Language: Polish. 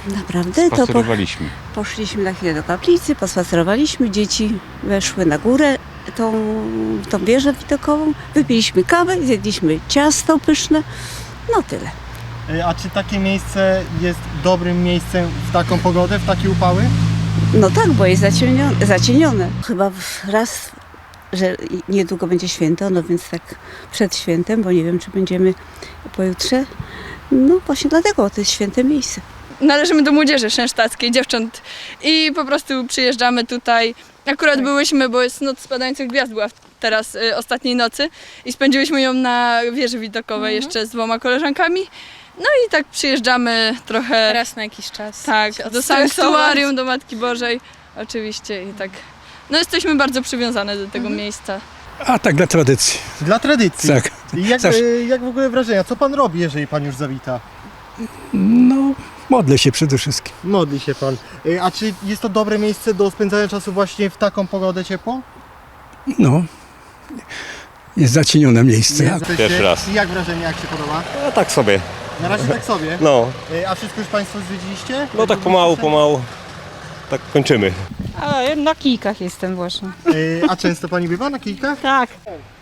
Naprawdę? Spacerowaliśmy. Poszliśmy na chwilę do kaplicy, pospacerowaliśmy, dzieci weszły na górę, tą wieżę widokową, wypiliśmy kawę, zjedliśmy ciasto pyszne, no tyle. A czy takie miejsce jest dobrym miejscem w taką pogodę, w takie upały? No tak, bo jest zacienione. Chyba raz, że niedługo będzie święto, no więc tak przed świętem, bo nie wiem, czy będziemy pojutrze. No właśnie dlatego to jest święte miejsce. Należymy do młodzieży szensztackiej, dziewcząt i po prostu przyjeżdżamy tutaj. Akurat byłyśmy, bo jest Noc Spadających Gwiazd była teraz ostatniej nocy i spędziłyśmy ją na wieży widokowej jeszcze z 2 koleżankami. No i tak przyjeżdżamy trochę Raz na jakiś czas. tak, do sanktuarium, do Matki Bożej oczywiście i tak. No jesteśmy bardzo przywiązane do tego miejsca. A tak dla tradycji. Dla tradycji. Tak. I jak w ogóle wrażenia? Co pan robi, jeżeli pan już zawita? No, modlę się przede wszystkim. Modli się pan. A czy jest to dobre miejsce do spędzania czasu właśnie w taką pogodę ciepłą? No, jest zacienione miejsce. Pierwszy raz. I jak wrażenie, jak się podoba? A tak sobie. Na razie tak sobie. No, A wszystko już państwo zwiedziliście? no tak pomału. Tak kończymy. A na kijkach jestem właśnie. A często pani bywa na kijkach? Tak.